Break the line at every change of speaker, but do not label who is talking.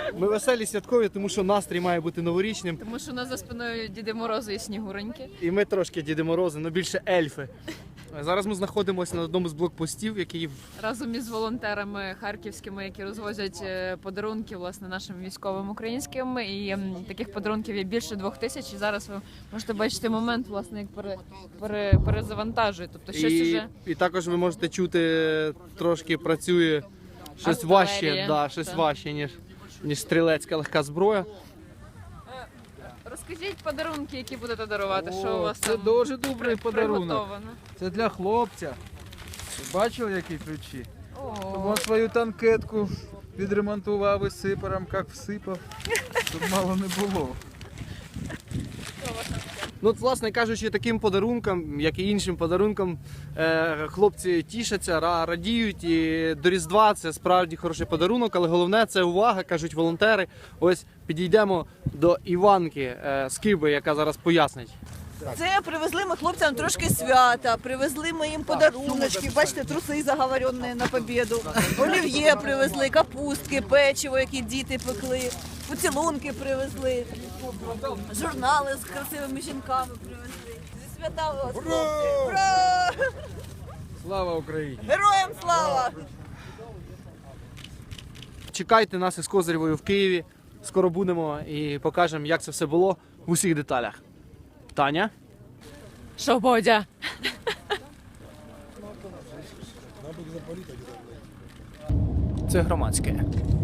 Ми веселі, святкові, тому що настрій має бути новорічним.
Тому що у нас за спиною Діди Морози і Снігуроньки.
І ми трошки Діди Морози, але більше ельфи. Зараз ми знаходимося на одному з блокпостів, який...
Разом із волонтерами харківськими, які розвозять подарунки власне нашим військовим українським. І таких подарунків є більше 2000. І зараз ви можете бачити момент, власне, як перезавантажують. Тобто щось уже...
І також ви можете чути, трошки працює щось
Артилерія,
важче, да, щось
так.
важче, ніж стрілецька легка зброя.
Розкажіть подарунки, які будете дарувати. Що у вас
це
там
дуже добрий подарунок.
приготовано?
Це для хлопця. Ви бачили, які ключі?
О,
Він свою танкетку відремонтував із сипаром, як всипав. Тут мало не було.
Ну, от, власне кажучи, таким подарункам, як і іншим подарункам, хлопці тішаться, радіють. І до Різдва це справді хороший подарунок, але головне це увага, кажуть волонтери. Ось підійдемо до Іванки з Киби, яка зараз пояснить.
Це привезли ми хлопцям трошки свята, привезли ми їм подаруночки, бачите, труси заговорені на побєду, олів'є привезли, капустки, печиво, які діти пекли, поцілунки привезли, журнали з красивими жінками привезли. Зі свята вас, хлопці! Ура!
Слава Україні!
Героям слава!
Чекайте нас із Козирєвою в Києві. Скоро будемо і покажемо, як це все було в усіх деталях. Таня?
що, Бодя?
Це громадське.